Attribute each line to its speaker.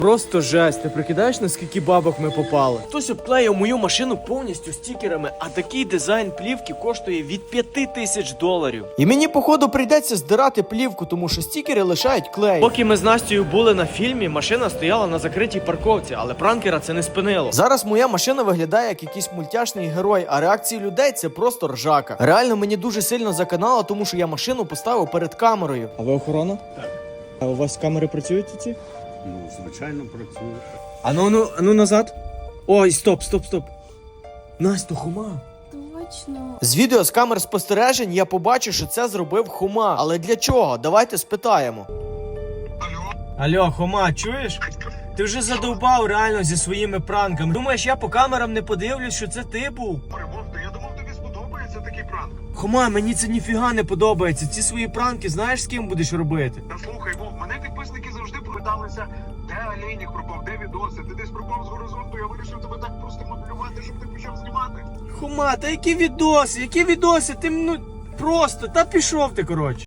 Speaker 1: Просто жесть, ти прикидаєш, наскільки бабок ми попали? Хтось обклеїв мою машину повністю стікерами, а такий дизайн плівки коштує від $5000. І мені, походу, прийдеться здирати плівку, тому що стікери лишають клей. Поки ми з Настею були на фільмі, машина стояла на закритій парковці, але пранкера це не спинило. Зараз моя машина виглядає як якийсь мультяшний герой, а реакції людей це просто ржака. Реально мені дуже сильно заканало, тому що я машину поставив перед камерою.
Speaker 2: А ви охорона?
Speaker 3: Так.
Speaker 2: А у вас камери працюють ці?
Speaker 3: Ну, звичайно, працює.
Speaker 2: Ану назад. Ой, стоп.
Speaker 1: Настя, Хома.
Speaker 4: Точно.
Speaker 1: З відео з камер спостережень я побачив, що це зробив Хома. Але для чого? Давайте спитаємо. Алло, Хома, чуєш? Ти вже задовбав реально зі своїми пранками. Думаєш, я по камерам не подивлюсь, що це ти був?
Speaker 5: Я думав, тобі сподобається такий пранк.
Speaker 1: Хома, мені це ніфіга не подобається. Ці свої пранки знаєш, з ким будеш робити?
Speaker 5: Та слухай, Вов, мене підписники завжди питалися, де Олейник пропав, де відоси, ти десь пропав з горизонту, я вирішив тебе так просто моделювати, щоб ти почав знімати.
Speaker 1: Хома, та які відоси? Які відоси? Ти, просто, та пішов ти, коротше.